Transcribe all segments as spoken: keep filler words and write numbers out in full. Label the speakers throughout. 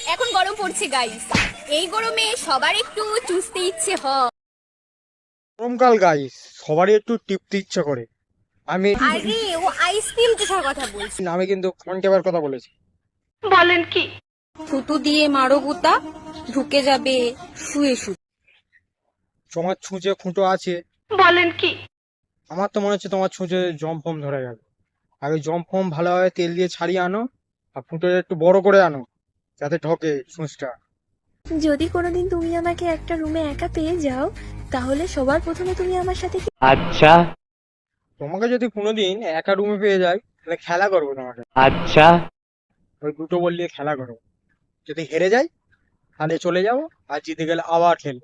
Speaker 1: এখন গরম পড়ছে গাইস, এই গরমে সবার একটু চুষতে ইচ্ছে হয়।
Speaker 2: গরমকাল গাইস, সবারই একটু টিপতে ইচ্ছা করে। আমি
Speaker 1: আরে ও আইসক্রিম চুষার কথা বলছি।
Speaker 2: আমি কিন্তু কন্টেবার কথা বলেছি।
Speaker 1: বলেন কি? থুতু দিয়ে মারো গুতা, ঢুকে যাবে শুয়ে শুয়ে।
Speaker 2: তোমার ছুঁচে খুঁটো আছে?
Speaker 1: বলেন কি?
Speaker 2: আমার তো মনে হচ্ছে তোমার ছুঁচে জম ফম ধরে গেল। আগে জম ফম ভালোভাবে তেল দিয়ে ছাড়িয়ে আনো, আর ফুটোটা একটু বড় করে আনো যাতে ঢোকে ছুঁচটা।
Speaker 3: যদি কোনোদিন তুমি আমাকে একটা রুমে একা পেয়ে যাও, তাহলে সবার প্রথমে তুমি আমার সাথে কি
Speaker 4: আচ্ছা
Speaker 2: তোমাকে যদি কোনোদিন একা রুমে পেয়ে যাই, তাহলে খেলা করবো তোমাকে।
Speaker 4: আচ্ছা
Speaker 2: ওই দুটো বল দিয়ে খেলা করবো। যদি হেরে যাই তাহলে চলে যাবো, আর জিতে গেলে আবার খেলবো।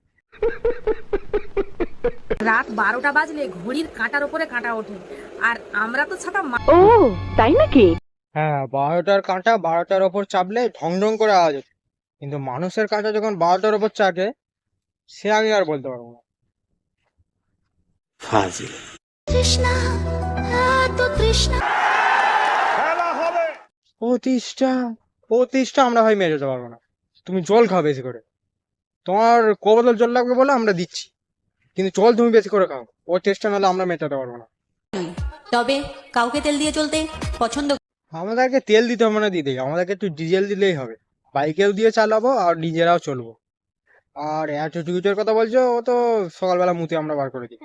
Speaker 5: রাত বারোটা বাজলে ঘড়ির কাঁটার উপরে কাঁটা ওঠে, আর আমরা তো ছাতা মা-
Speaker 4: ও তাই নাকি?
Speaker 2: হ্যাঁ, বারোটার কাঁটা বারোটার ওপর চাপলে ঢং ঢং করে আওয়াজ হচ্ছে, কিন্তু মানুষের কাঁটা যখন বারোটার ওপর চাপে, সে আমি আর বলতে পারবো না।
Speaker 3: তৃষ্ণা, এত তৃষ্ণা।
Speaker 2: প্রতিষ্ঠা প্রতিষ্ঠা আমরা ভাই মেরে যেতে পারবো না। তুমি জল খাও বেশি করে। তোমার ক বোতল জল লাগবে বলে আমরা দিচ্ছি, কিন্তু জল তুমি বেশি করে খাও। ও চেষ্টা নাহলে আমরা মেটাতে পারবো না।
Speaker 6: তবে কাউকে তেল দিয়ে চলতে পছন্দ
Speaker 2: আমাদেরকে তেল দিতে হবে না দিদি, আমাদেরকে একটু ডিজেল দিলেই হবে। বাইকেও দিয়ে চালাবো আর নিজেরাও চলবো। আর অ্যাটিটিউডের কথা বলছো, ও তো সকালবেলা মুতে আমরা বার করে দিই।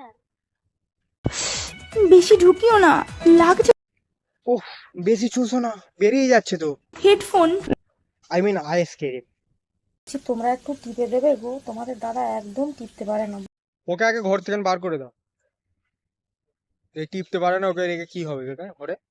Speaker 3: বেশি ঢুকিও না, লাগছে।
Speaker 2: ওহ, বেশি চুষো না, বেরিয়ে যাচ্ছে তো।
Speaker 3: হেডফোন।
Speaker 2: I mean ISK.
Speaker 5: তোমরা একটু টিপে দেবে গো, তোমাদের দাদা একদম টিপতে পারে না।
Speaker 2: ওকে আগে ঘর থেকে বার করে দাও। এই টিপতে পারে না, ওকে রেখে কি হবে বেটা ঘরে?